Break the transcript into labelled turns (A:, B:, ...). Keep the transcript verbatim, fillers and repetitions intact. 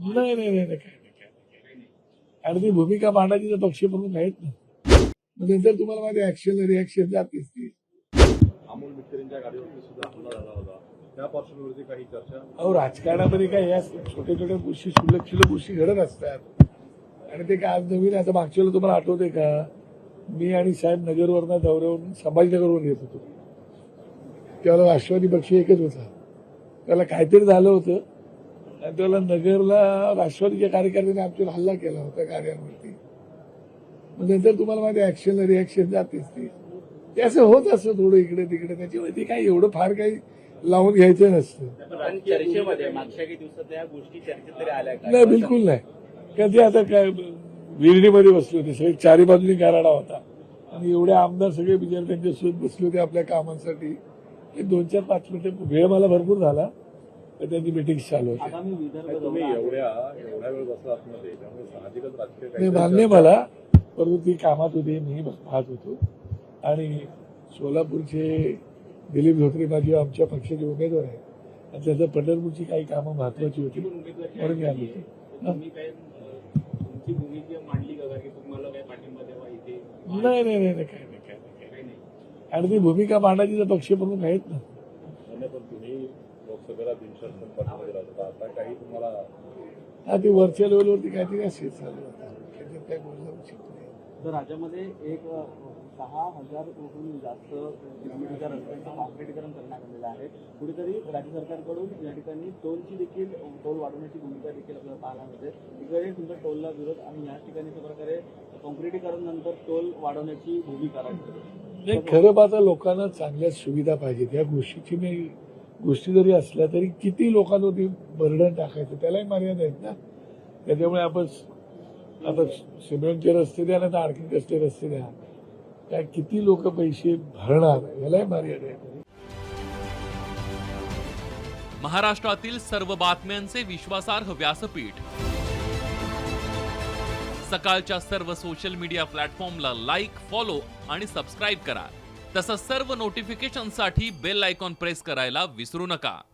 A: नाही नाही नाही नाही, काय नाही काय नाही. आणि ती भूमिका मांडायची तर पक्षप्रमुख आहेत ना. मग नंतर तुम्हाला माझ्या ऍक्शन रिॲक्शन जातेच ती.
B: अमोल मिटकरींच्या गाडीवरती सुद्धा हल्ला झाला होता, त्या पार्श्वभूमीवरती काही चर्चा.
A: अहो, राजकारणामध्ये काय या छोट्या छोट्या गोष्टी शुल्लक शुल्लक गोष्टी घडत असतात. आणि ते काय आज नवीन आता मागच्या वेळेला तुम्हाला आठवतंय का, मी आणि साहेब नगरवरनं दौऱ्यावरून संभाजीनगरवरून येत होतो. त्यावेळेला राष्ट्रवादी पक्ष एकच होता. त्याला काहीतरी झालं होतं आणि त्याला नगरला राष्ट्रवादीच्या कार्यकर्त्यांनी आमच्यावर हल्ला केला होता कार्यावरती. मग नंतर तुम्हाला माझ्या ऍक्शन रिॲक्शन जातेच ती. ते असं होत असतं थोडं इकडे तिकडे. त्याच्यामुळे ते काही एवढं फार काही लावून घ्यायचं नसतं.
C: चर्चेमध्ये मागच्या काही दिवसात या गोष्टी चर्चेत तरी आल्या का?
A: नाही, बिलकुल नाही. कारण ते आता काय विहिरीमध्ये बसले होते सगळे, चारी बाजूनी गाराडा होता आणि एवढे आमदार सगळे बिचारे त्यांच्यासोबत बसले होते आपल्या कामांसाठी. ते दोन चार पाच मिनिटं वेळ मला भरपूर झाला तर त्यांची मिटिंग चालू होती.
B: तुम्ही एवढ्या एवढ्या वेळ बसला आतमध्ये, त्यामुळे साहजिकच राजकीय
A: नाही,
B: काही
A: मान्य मला, परंतु ती कामात होती, मी पाहत होतो. आणि सोलापूरचे दिलीप धोत्रे माझे आमच्या पक्षाचे उमेदवार आहे आणि त्याचं पंढरपूरची काही कामं महत्वाची होती म्हणून मी आलो होतो.
C: तुमची भूमिका मांडली का की तुम्हाला काय पाठिंबा द्यावा इथे?
A: नाही नाही नाही, काय नाही काय नाही काय नाही. आणि ती भूमिका मांडायची तर पक्षप्रमुख आहेत ना.
B: पण तुम्ही लोकसभेला बिनशर्त पाठिंबा दिला होता, आता काही तुम्हाला.
A: हा, ती वरच्या लेवलवरती काहीतरी असेल चालू होतं, त्याच्यात काय बोलणं उचित नाही.
D: तर राज्यामध्ये एक सहा हजारहून जास्त किलोमीटरच्या रस्त्यांचं कॉन्क्रिटीकरण करण्यात आलेलं आहे. कुठेतरी राज्य सरकारकडून या ठिकाणी टोलची देखील टोल वाढवण्याची भूमिका देखील आपल्याला पाहायला मिळते. इकडे तुमचा टोलला विरोध आणि या ठिकाणी अशा प्रकारे कॉन्क्रिटीकरण नंतर टोल वाढवण्याची भूमिका राखते.
A: नाही, खरं पाहता लोकांना चांगल्या सुविधा पाहिजेत. या गोष्टीची मी गोष्टी जरी असल्या तरी किती लोकांवरती बर्डन टाकायचं, त्यालाही मर्यादा आहेत ना. त्याच्यामुळे आपण आता सिमेंटचे रस्ते द्या ना तर आणखी कसले रस्ते द्या, काय किती लोक पैसे भरणार यालाही मर्यादा आहे.
E: महाराष्ट्रातील सर्व बातम्यांचे विश्वासार्ह व्यासपीठ, सकाळच्या सर्व सोशल मीडिया प्लॅटफॉर्मला लाईक, फॉलो आणि सबस्क्राईब करा. तसंच सर्व नोटिफिकेशनसाठी बेल आयकॉन प्रेस करायला विसरू नका.